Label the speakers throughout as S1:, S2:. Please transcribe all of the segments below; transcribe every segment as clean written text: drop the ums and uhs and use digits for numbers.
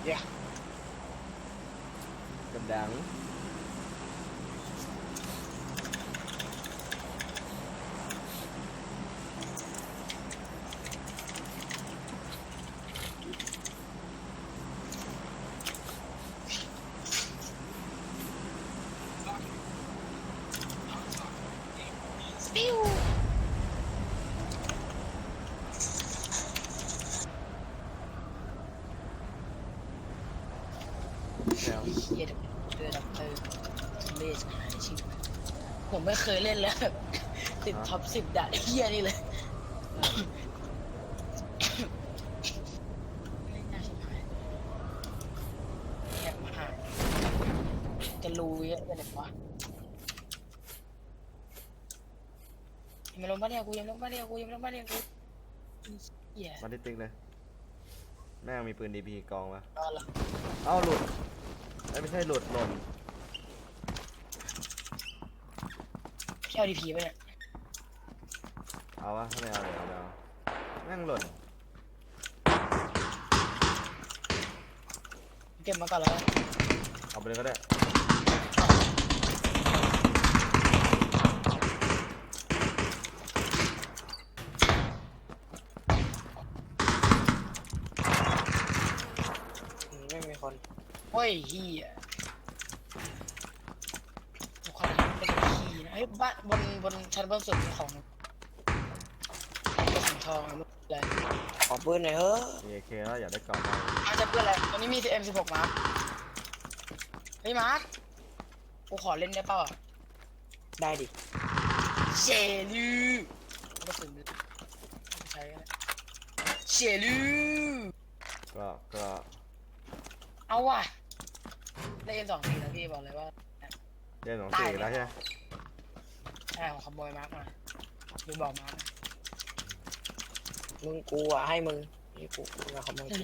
S1: Yeah.
S2: กำดังแล้ว
S1: เฮียเดือดเลสหายชิบผมไม่เคยเล่นแล้วแบบติดท็อป10ด่านเฮียนี่เลยเล่นยากชิบหายแอบหายจะรู้เยอะเลยเนี่ยวะยังไม่ลงบ้านเดียวกูยังไม่ลงบ้านเดียวกูยังไม่ลงบ้านเดียวกูเฮีย
S2: มาที่ติ๊กเลยแม่งมีปืนดีพีกองวะ
S1: รอละ
S2: เอ้าหลุดไม่ใช่หลุดหล่น
S1: พี่เอาดีพีไปเนี่ย
S2: เอาวะถ้าไม่เอาเลยเอาแม่งหล่น
S1: เก็บมาก่อนแล้ว
S2: เอาไปเลยก็ได้
S1: ไม่มีคนโอ้ยเฮียทุกคนเป็นขี้นะเฮ้ยบ้านบนชั้นบนสุดของกระสุนทองอะไรขอปืนหน่อยเฮ้ย
S2: AK แล้วอยากได้กล่องมาก
S1: มาจะปืนอะไรตอนนี้มี M16 มาร์คเฮ้ยมาร์คกูขอเล่นได้เปล่าได้ดิเชลูกระสุนใช้เชลู
S2: ก็
S1: เอาว่ะได้ M24 แล้วพี่บอกเลยว่า
S2: เล่น2 4แล้วใช่ไหม
S1: ใช่ของขโมยมาร์คมาดูบอกมาร์ค
S3: มึงกูอ่ะให้มึงนี่กูมาขโมยกู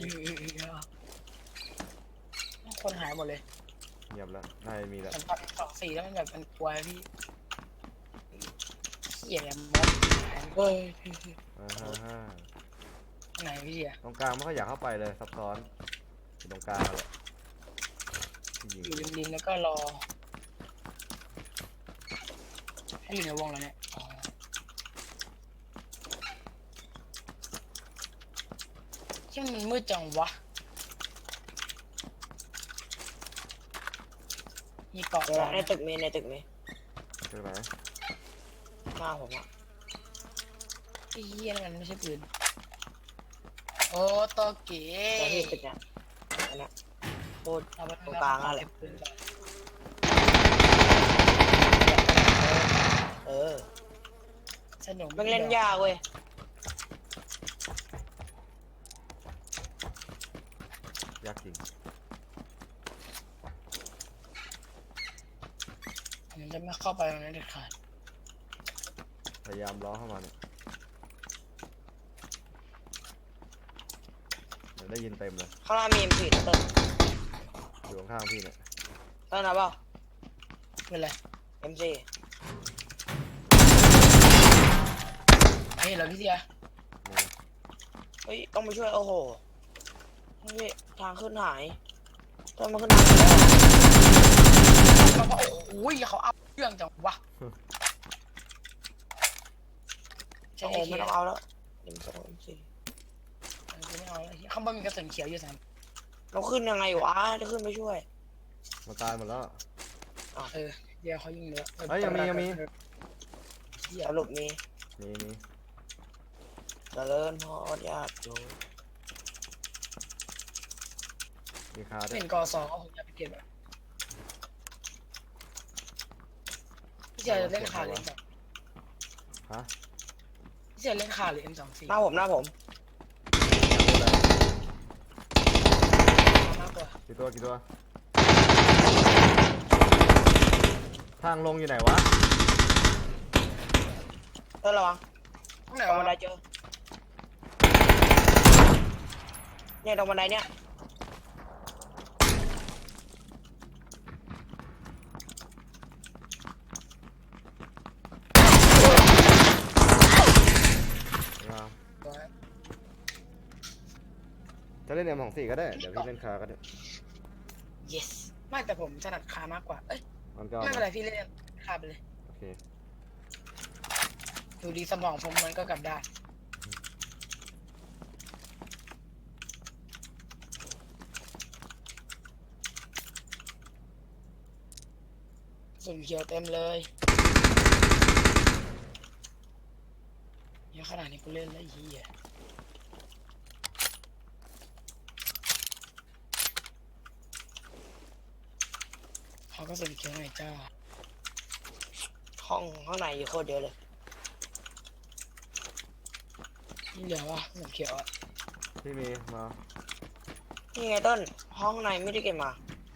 S1: คนหายหมดเลย
S2: เงียบแล้วน่าจะมีแล้ว
S1: สัมผัส24แล้วมันแบบมันกลัวพี่เหี้ยมด
S3: เฮ้ย
S2: ฮ่า
S1: ไหนพี่เหี้ย
S2: ตรงกลางไม่ค่อยอยากเข้าไปเลยซับซ้อนอยู่ตรงกลางเลยยิง
S1: อยู่ริมๆแล้วก็รอให้อยู่ในวงแล้วเนี่ยที่มันมืดจังวะมีเกาะ
S3: เดี๋ยวในตึกมีในตึกมี
S2: ใช่ไหม
S3: หน้าผมอ่ะ
S1: ไอ้เหี้ยนั่นมันไม่ใช่ปืนโอ้โตเก๋
S3: แต่ที่ตึกเนี่ยอันเนี้ยโคตร
S1: เอาไป
S3: ตรงกลางอะไร
S1: ปืนก่อน
S3: เออ
S1: สนุก
S3: มันเล่นยากเว้ย
S2: ยากจริง
S1: ผมจะไม่เข้าไปตรงนั้นเด็ดขาด
S2: พยายามล้อเข้ามาเนี่ยเดี๋ยวได้ยินเต็มเลย
S3: ข้างล่างมีM4นะเติ้ล
S2: อยู่ข้างๆพี่เนี่ย
S3: เติ้ลนะเปล่า
S1: เป็นไร
S3: M4
S1: เฮ้ยเราพี่เสีย
S2: นี่
S3: เฮ้ยต้องไปช่วยโอ้โหนี่ทางขึ้นหายเติ้ลมาขึ้นทางแล้ว
S1: เราก็โอ้ยเขาเอาเรื่องจังวะ
S3: โอ้โหไม่ต้องเอาแล้วM2 M4
S1: ไม่เอาแล้วข้างบนมีกระสุนเขียวอยู่3
S3: เราขึ้นยังไงวะจะขึ้นไปช่วย
S2: มาตายหมดแล้ว
S1: เดี๋ยวเขายิงเนื้อ
S2: เฮ้ยยังมี
S3: สรุปมี
S2: มี
S3: เจริญพรญาติโยม
S2: มีคาด้วย
S1: เป็นก2เอาผมจะไปเก็บอ่ะพี่เสียเล่นขาหรือ M2
S2: ฮะ
S1: พี่เสียเล่นขาหรือ M24
S3: หน้าผม
S1: มากกว่า
S2: กี่ตัวทางลงอยู่ไหนวะ
S3: เติ้ลระวัง
S1: ตรงไหน
S3: ตรงบันได
S1: วะ
S3: เจอเนี่ยตรงบันไดเนี่ย
S2: จะเล่นM24ก็ได้เดี๋ยวพี่เล่นคาก็ได้
S1: yes ไม่แต่ผมถนัดคามากกว่าเอ้ย
S2: มันก็เอา
S1: ไม่เป็น
S2: มา
S1: ไรพี่เล่นคาไปเลย
S2: โอเค
S1: ดูดีสมองผมมันก็กลับได้สุ่มเขียวเต็มเลยเยอะขนาดนี้กูเล่นแล้วไอ้เหี้ยเขาก็สุ่มเขียวหน่อยจ้า
S3: ห้องในอยู่โคตรเยอะเลย
S1: นี่เหลือวะสุ่มเขียวอะ
S2: พี่มีมา
S3: นี่ไงต้นห้องในไม่ได้เก็บมา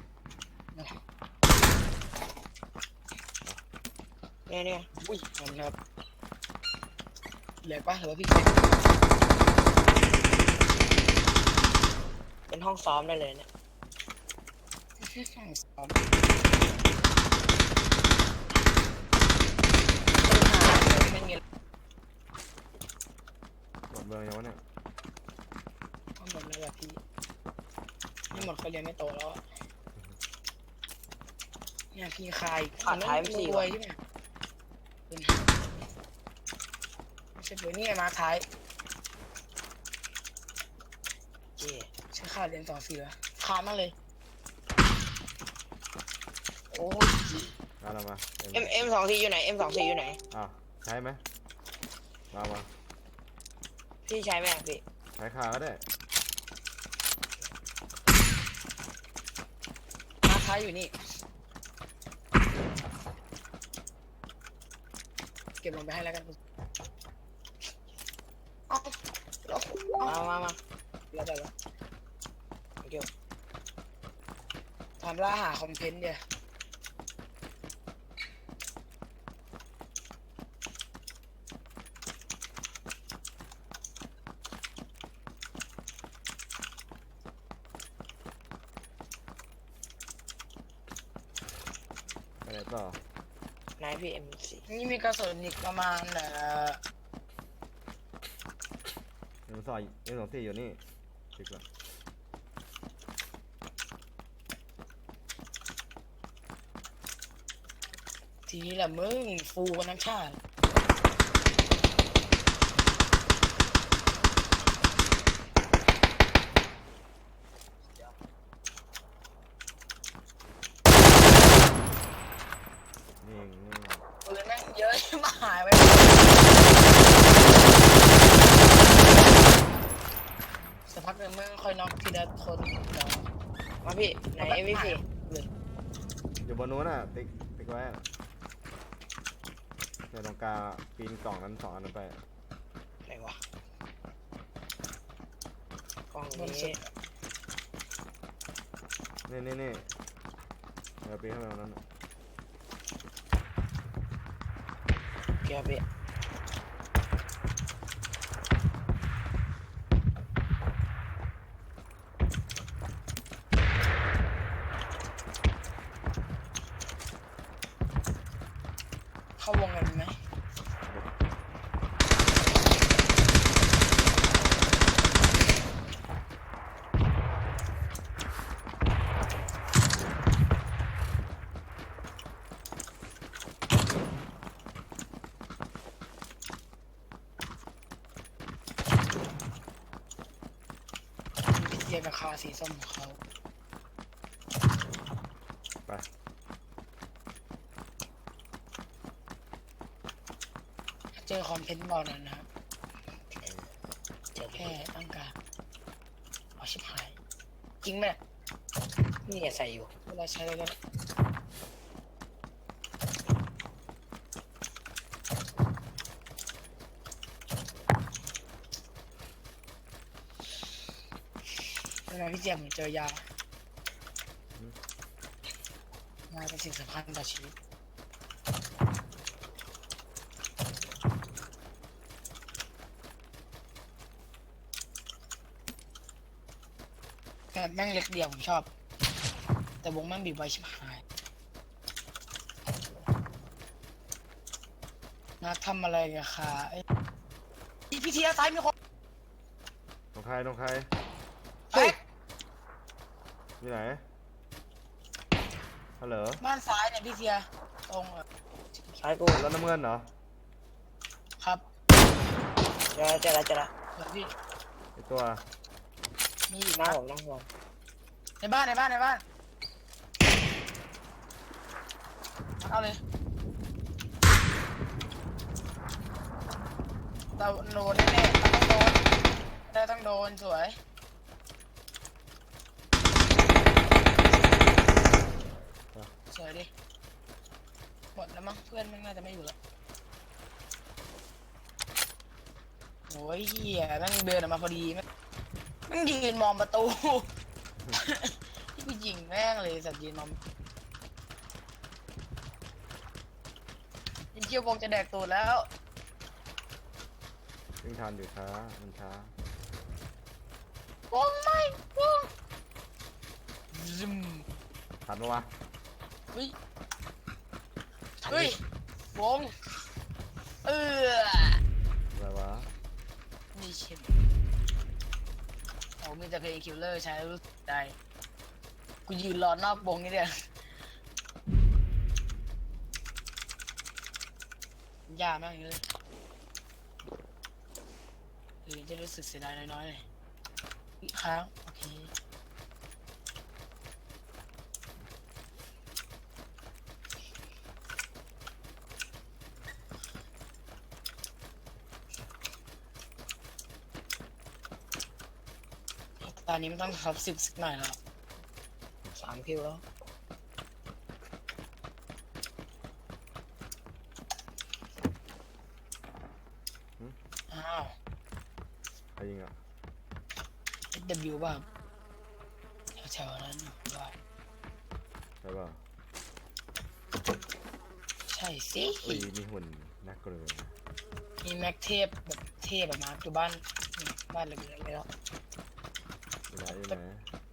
S3: เนี่ย
S1: อุ้ยมันครับเหลือปะหรือว่าพี่เก็บ
S3: เป็นห้องซ้อมได้เลยเนี่ย
S1: ซ้อมไม่เงี้ย
S2: หมดเบอร์ยังวะเนี่ย
S1: ก็หมดแล้วแบบพี่นี่หมดก็เรียนไม่โตแล้วอะเนี่ยพี่คาย
S3: ขาดท้ายไปสี่
S1: รวยใช่ไหมเป็นไม่ใช่รวยนี่ไงมาท้าย
S3: เจ
S1: ใช้ค่าเรียน2 4แล้วคามากเลยโอ้ย
S2: เอาละมา
S3: M24อยู่ไหน M24อยู่ไหน
S2: อ่ะใช้ไหมมา
S3: พี่ใช้ไหมพี่
S2: ใช้คาก็ได้
S1: มาท้ายอยู่นี่เก็บลงไปให้แล้วกันเอาเอา
S3: มา
S1: แล้วแต่ละ
S3: เกี่ยว
S1: ทำล่าหาคอมเพนต์เดียว
S2: ไปไหนต่อ
S3: ไหนพี่ M4
S1: นี่มีกระสุนอีกประมาณ
S2: M24อยู่นี่ติดก่อน
S1: ทีนี้แหละมึงฟูกันทั้งชาติ
S2: นี่
S1: ปืนแม่งเยอะชิบหายไปสักพักหนึ่งมึงค่อยน็อกทีละคนเดี๋ยว
S3: มาพี่ไหน M24
S1: เลย
S2: อยู่บนนู้นน่ะติ๊กไว้อะในตรงกลางปีนกล่องนั้น2 อันนั้นไป
S3: ไหนวะกล้อง
S1: บน
S3: นี้
S1: สุด
S2: นี่เดี๋ยวปีนเข้าไปตรงนั้นน่ะ
S3: เกี่ยวพี่
S1: เข้าวงกันไหมพี่เทียกับคาสีส้มของเขา
S2: ไป
S1: เจอคอมเพนต์บอลนั้นนะครับ
S3: เจอ
S1: แค่ต้องการเอาชิบหายจริงไหม
S3: นี่ใส่อยู่
S1: เวลาใช้แล้วก็เวลาพี่เจียมผมเจอยา ยาเป็นสิ่งสำคัญต่อชีวิตแบบแม่งเล็กเดียวผมชอบ แต่วงแม่งบีบไว้ชิบหายนักทำอะไรกันคะไอ้พี่เทียซ้ายมีคน
S2: ตรงใคร
S1: แตก
S2: อยู่ไหนฮัลโหล
S1: บ้านซ้ายเนี่ยพี่เทียตรงอะ
S3: ซ้ายกู
S2: แล้วน้ำเงินเหรอ
S1: ครับ
S3: เจอละ
S1: เหมือนพี่
S2: ไอตัว
S1: มีอีก
S3: หน้า
S1: นะ
S3: ผมนั่งห่วง
S1: ในบ้านเอาเลยเราโดนแน่ๆต้องโดนสวยสวยดิหมดแล้วมั้งเพื่อนมันน่าจะไม่อยู่แล้วโอ้ยเหี้ยแม่งเดินออกมาพอดีแม่งยืนมองประตู ที่กูยิงแม่งเลยสัตว์ยืนมองยิงเชี่ยววงจะแดกตูดแล้ว
S2: วิ่งทันอยู่ช้ามันช้าว
S1: งไม่วงซึม
S2: ทันปะวะ
S1: เฮ้ยเฮ้ยวง
S2: อะไรวะ
S1: นี่ชิมโอ้มีแต่เพลงคิลเลอร์ใช้แล้วรู้สึกได้กูยืนรอนอกวงนี่เดียยากมากเลยจะรู้สึกเสียดายน้อยๆเลยอีกครั้งโอเคตอนนี้มันต้องท็อป10สักหน่อยแล้ว
S3: 3 คิวแล้ว
S1: อ้าว
S2: ใครยิงอ่ะ
S1: SW บ้างแถวๆนั้นด้วย
S2: ใช่ป่ะ
S1: ใช่สิ
S2: อุ้ยมีหุ่นนักเกลือ
S1: มีแม็กเทพแบบเทพแบบมาอยู่บ้านเล็กๆเลยแล้ว
S2: อยู่ไหน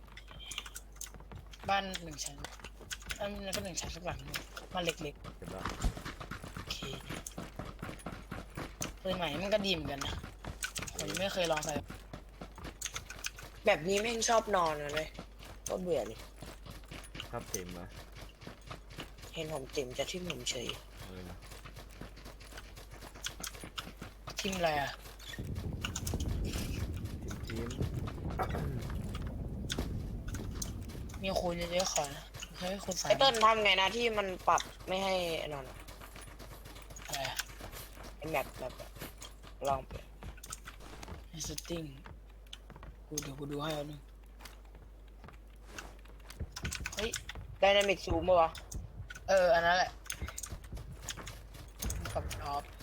S1: บ้าน1 ชั้นอันนั้นก็1 ชั้นสักหลังหนึ่งบ้านเล็ก
S2: เก็บละ
S1: ๆโอเคปืนใหม่มันก็ดีเหมือนกันนะผมยังไม่เคยลองใส่
S3: แบบนี้แม่งชอบนอนเลยก็เบื่อเลย
S2: ชอบเต็มนะ
S3: เห็นผมติ่มจะทิ่มผมเฉย
S2: อะไรนะ
S1: ทิมอะไรอ่ะ
S2: ทีม
S1: มีคูณเยอะๆขอนะให้คูณ3
S3: ไอเติ้ลทำไงนะที่มันปรับไม่ให้นอน
S1: อะไรอ่ะ
S3: ไอแบบลองไป
S1: ในสติ้งเดี๋ยวกูดูให้เอาหนึ่งเฮ้ย
S3: ไดนามิกซูมป่ะวะ
S1: อันนั้นแหละปรับออฟ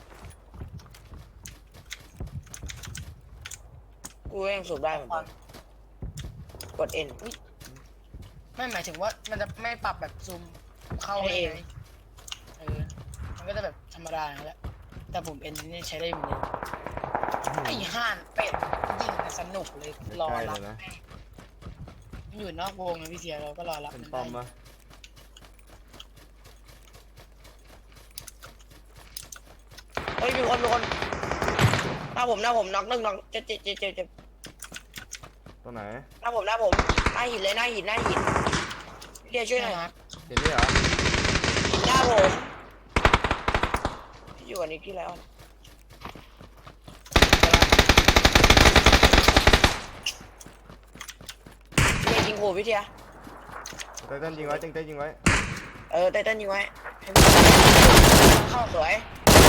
S3: กูยังสูบได้เหมือนกันกด N
S1: ไม่หมายถึงว่ามันจะไม่ปรับแบบซูมเข้า
S3: ให้เอง
S1: ไงมันก็จะแบบธรรมดาอย่างนั้นแหละแต่ผมเอ็นนี่ใช้ได้เหมือนเดิมไอ้ห่านเป็ดยิงสนุกเลยรอ
S2: ใกล้
S1: รั
S2: เล
S1: บ
S2: ยนะ
S1: มันอยู่นอกวงนะพี่เสียเราก็รอรับ
S2: เป็น
S1: มัน
S2: ป้อม
S1: ได้
S2: ปะ
S3: เฮ้ยมีคนหน้าผมน็อกหนึ่งน็อกเจ็บ
S2: ตรงไหน
S3: หน้าผมหน้าหินเลยหน้าหินเดี๋ยวช่วยหน่อย
S1: นะ
S2: เห็นนี่เหรอ
S3: หน้าผมอยู่อันนี้ที่ไรอ่ะไม่ยิงโหพี่เทีย
S2: ไตเติ้ลยิงไว้ไตยิงไว้
S3: ไตเติ้ลยิงไว้เข้าสวย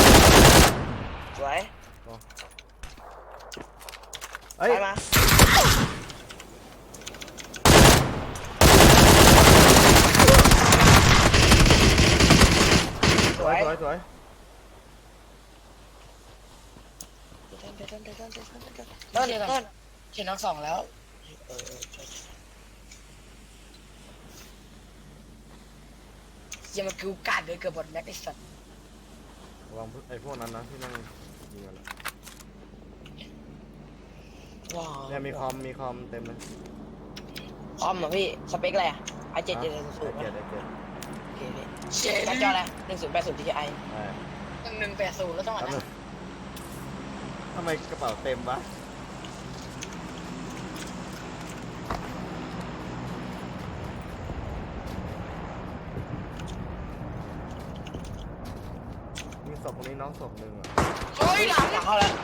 S2: เอ้ย
S3: ไปมาส
S2: ส
S3: ว
S2: วย
S3: ย
S2: สวยสวย
S3: เติ้ล
S1: เขียนน็อก2แล้วอย่ามากิวกัดเลยเกือบบอดแม็กไอ้สัตว์
S2: ระวังไอ้พวกนั้นนะที่นั่งยิงกัน
S3: ว้าว
S2: เนี่ยมีคอมเต็มเลย
S3: คอมเหรอพี่สเปคอะไรอ่ะไอ7 7 0 0
S2: ไอ้เกียรติ
S3: โอเคพี่
S1: เจ๊
S3: การจออะไร1080 Ti
S1: 1180แล้วต้องอ่าน
S2: แป๊บนึ
S1: นะ
S2: งทำไมกระเป๋าเต็มวะรงนี้น้องศพหนึ่งอ่ะ
S1: เฮ้ยหลัง
S3: หลังเข้าแล้ว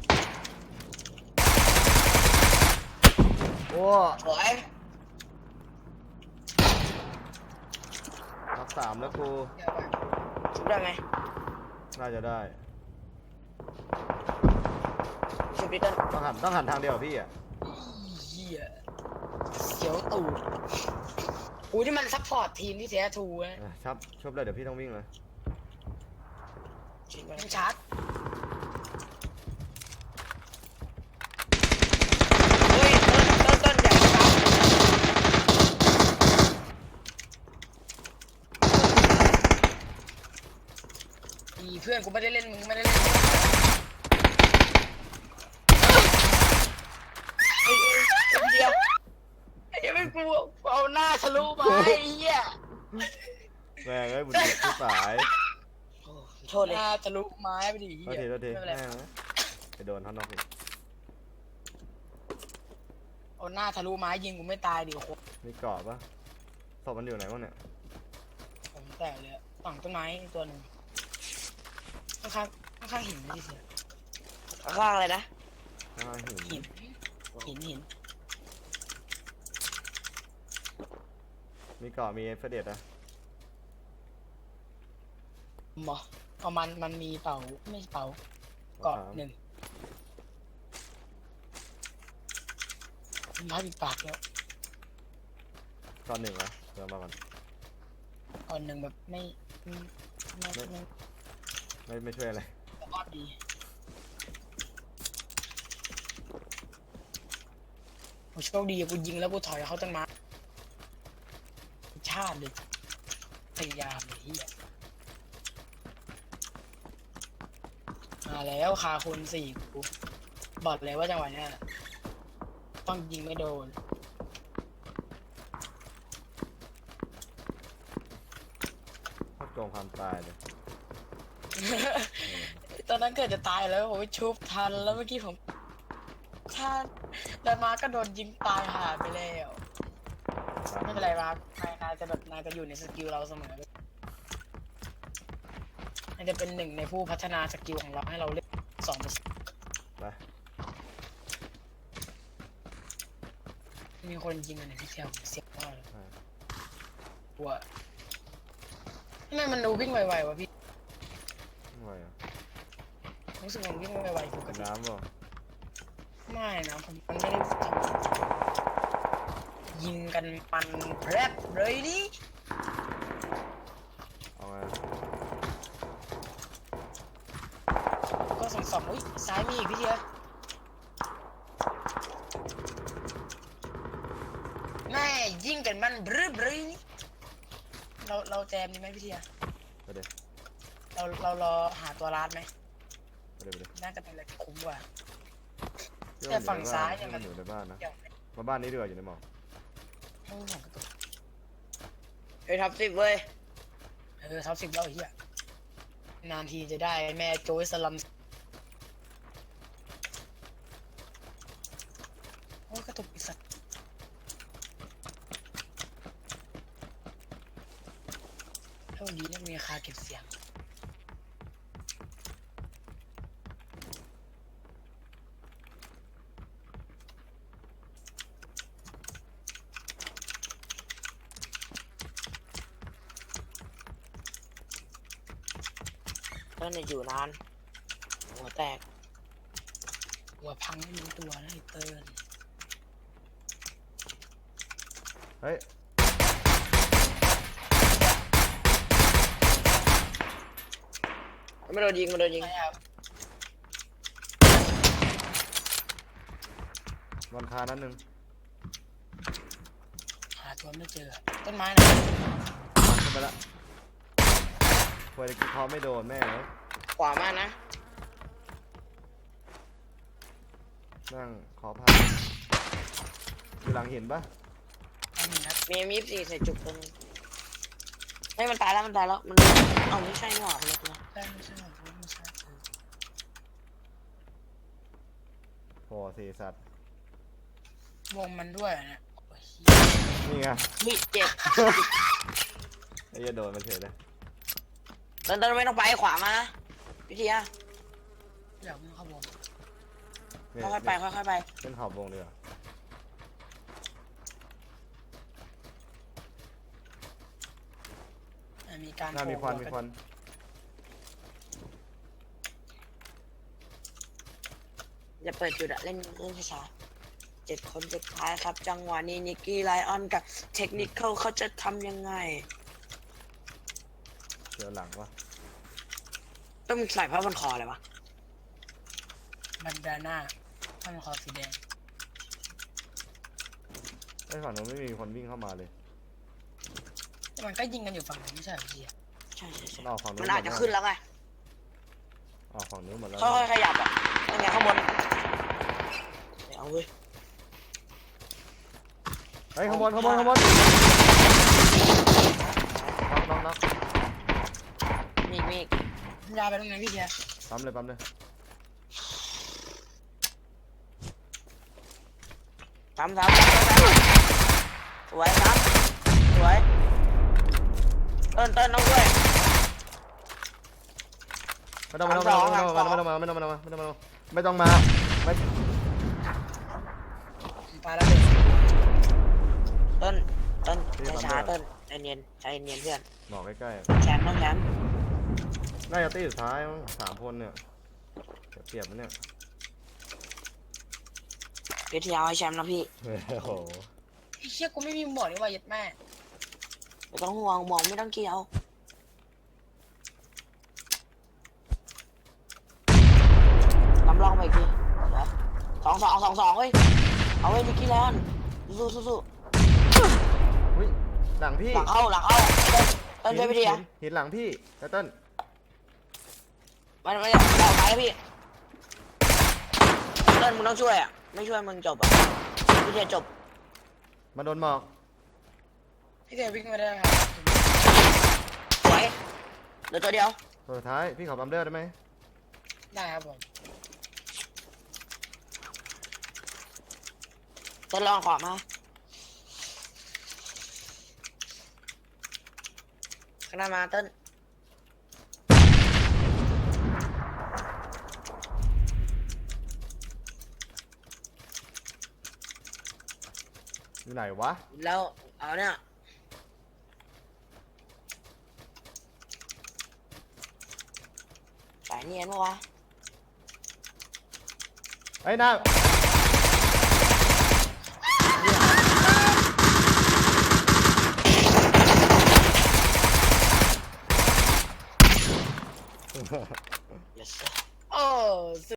S2: โอ้
S3: สวย
S2: นับสามแล้วกู
S3: ชุบได้ไหม
S2: น่าจะได้
S3: ชุบดิเติ้ล
S2: ต้องหันทางเดียวกับพี่อ่ะ
S1: เหี้ยเสียวตูดกูที่มันซัพพอร์ตทีมที่แท้ทูนะ
S2: ชับชบเลยเดี๋ยวพี่ต้องวิ่งเลย
S3: ชุบไป
S1: มันชาร์จ
S3: เฮ้ยเติ้ลอย่ามาตาม
S1: อีเพื่อนกูไม่ได้เล่นมึงไม่ได้เล่น
S3: เฮ้ยเดียว
S1: ไอ้เหี้ยไม่กูเอาหน้าทะลุมาไอ้เหี้ย
S2: แม่งเอ้ยบุญที่สาย
S3: โอ้โทษ
S1: ห
S3: เลย
S1: น้าทะลุไม้ไปดิ
S2: โทษทีโทษที
S1: ไม่เป็นไร
S2: แม่งไปโดนท่านนอกอีก
S1: เอาหน้าทะลุไม้ยิงกูไม่ตายดิโอ้โห
S2: มีเกาะปะศพมันอยู่ไหนวะเนี่ย
S1: ผมแตกเลยอะฝั่งต้นไม้ตัวหนึ่งข้างๆหินไม่ใช่เสีย
S3: ข้างอะไรนะ
S2: ข้างหิน
S1: หิน
S2: มีเกาะมีเอฟเฟเดตอะ
S1: หมอเอามันมีเป่าไม่ใช่เป่าเกาะหนึ่งไม้ปิดปากแล้ว
S2: เกาะหนึ่งเหรอเดี๋ยวมาก่อน
S1: ก่อนหนึ่งแบบไม่
S2: ไม่ช่วยอะไร
S1: รอดดีกูโชคดีอะกูยิงแล้วกูถอยเขาต้นไม้ชาติเลยพยายามเลยเฮียมาแล้วคาคนสี่กูบอกเลยว่าจังหวะเนี้ยต้องยิงไม่โดน
S2: โคตรโกงความตายเลย
S1: ตอนนั้นเกิดจะตายแล้วโอ้ยชุบทันแล้วเมื่อกี้ผมถ้าเดินมาก็โดนยิงตายหาไปแล้วไม่เป็นไรมาร์คนายจะแบบนายจะอยู่ในสกิลเราเสมอนายจะเป็นหนึ่งในผู้พัฒนาสกิลของเราให้เราเล่น2%
S2: ไป
S1: มีคนยิงกันในที่เที่ยวเสียบมากเลย
S2: ไป
S1: กลัวทำไมมันดูวิ่งไวๆวะพี่
S2: ไม่ไหวอ่ะ
S1: รู้สึกมันวิ่งไวๆปก
S2: เป็น
S1: ติ
S2: น้ำเปล่า
S1: ไม่นะผมมันไม่ได้ทำยิงกันมันแพรบเลยดิ
S2: เอาไง
S1: ก็สองอุ้ยซ้ายมีอีกพี่เทียแม่ยิงกันมันบรึนี่เราแจมดีไหมพี่เทีย
S2: ไปเดี๋ยว
S1: เรารอหาตัวร้านไหม
S2: ไปเดี๋ยวไปเดี๋ยว
S1: น่าจะเป็นอะไรที่คุ้มกว่า
S2: พี่
S1: แต่
S2: ว่า
S1: ฝั่งซ้ายเนี่ย
S2: มันอยู่ในบ้านนะ
S1: เดี๋ยว
S2: มาบ้านนี้ดีกว่าอยู่ในหมอก
S1: ให้ผมกระตุก
S3: เฮ้ยท็อป10เว้ย
S1: ท็อป10แล้วไอ้เหี้ยนานทีจะได้แม่โจยสลัมโอ้ยกระตุกอีสัตว์เท่านี้เนี่ยมีราคาเก็บเสียง
S3: เติ้ลเนี่ยอยู่นานหัวแตก
S1: หัวพังไม่รู้ตัวนะไอ้เติ้ล
S2: เฮ้ย
S3: ไม่โดนยิงไม่โดนยิง
S1: ใช่ครับ
S2: วันคานั้นหนึ่ง
S1: หาตัวไม่เจอต้นไม้นะ
S2: ขึ้นไปละควยตะกี้พอไม่โดนแม่งเลย
S3: ขวามากนะ
S2: นั่งขอพาอยู่หลังหินปะ
S1: อันนี้นะ
S3: มีM24ใส่จุกตัวนึงเฮ้ยมันตายแล้วมันเอาไม่ใช่นี่หว่าคนละตัว
S1: ได้ไม่ใช่ของผมไม่ใช่
S2: โอ้สี่สัตว์
S1: วงมันด้วยนะโอ้ยเหี้ย
S2: นี่ไง
S3: เฮ้ยเจ็บ
S2: ไอ้เหี้ยโดนมันเฉยเลย
S3: เติ้ลไม่ต้องไปขวามานะพี่เทีย
S1: อยากมึงเข้าวง
S2: เนี่ย
S3: ค่อยๆไปค่อยๆไป
S2: เล่นขอบวงดีกว่า
S1: มีการ
S2: หน้ามีควันมีควัน
S3: อย่าเปิดจุดอะเล่นช้าๆ7 คนสุดท้ายครับ จังหวะนี้นิกกี้ไลออนกับเทคนิคเขาจะทำยังไง
S2: เจอหลังวะ
S3: ต้องใส่ผ้าพันคอเลยวะ
S1: บันดาน่าถ้ามันคอสีแดง
S2: ไอ้ฝั่งนู้นไม่มีคนวิ่งเข้ามาเลย
S1: แต่มันก็ยิงกันอยู่ฝั่งนั้นไม่ใช่เหรอพี่อะ
S3: ใช่
S2: มันออกฝั่งนู้น
S3: มันอาจจะขึ้นแล้วไง
S2: ออกฝั่งนู้นหมดแล้ว
S3: ค่อยๆขยับอ่ะยังไงข้างบนเอาเว้ย
S2: เฮ้ยข้างบนน็อกน็อก
S3: มีอีก
S1: ยาไปตรงไหนพี่เดีย
S2: ปั๊มเลยปั๊มเลย
S3: ซ้ำสวยซ้ำสวยเติ้ลต้องด้วย
S2: ไม่ต้องมาไม่ต้องมาไม่ต้องมา
S1: ปลาระเบิด
S3: เติ้ลช้าเติ้ลใจเย็นเพื่อน
S2: หมอกใกล้
S3: แชมป์ต้องแชมป์
S2: ๆน่าจะตีสุดท้ายมั้ง3 คนเนี่ยเปรียบมันเนี่ย
S3: วิทยาให้แชมป์นะพี่
S2: โอ้โห
S1: ไอ้เชี่ยกูไม่มีหมวกนี่ว่ายัดแม่
S3: ไม่ต้องห่วงมองไม่ต้องเกี่ยวน้ำลองไปอีกที2-2 เฮ้ยเอาไว้นิกกี้แลนสู้
S2: อุ้ยหลังพี่
S3: หลังเข้าเติ้ลช่วยพี่ทีอ่ะ
S2: หินหลังพี่เติ้ล
S3: ไม่เอาไปแล้วพี่เติ้ลมึงต้องช่วยอ่ะไม่ช่วยมึงจบอ่ะพี่ทีจบ
S2: มาโดนหมอก
S1: พี่เดียวิ่งไม่ได้ครับ
S3: สวยเหลือตัวเดียว
S2: ตัวสุดท้ายพี่ขอปั๊มเลือดได้ไหม
S1: ได้ครับผม
S3: เติ้ลลองขอมาข้างหน้ามาเติ้ล
S2: อยู่ไหนวะ
S3: แล้วเอาเนี่ยสายเนียนปะวะ
S2: ไอ้หน้า
S3: yes
S1: โอ้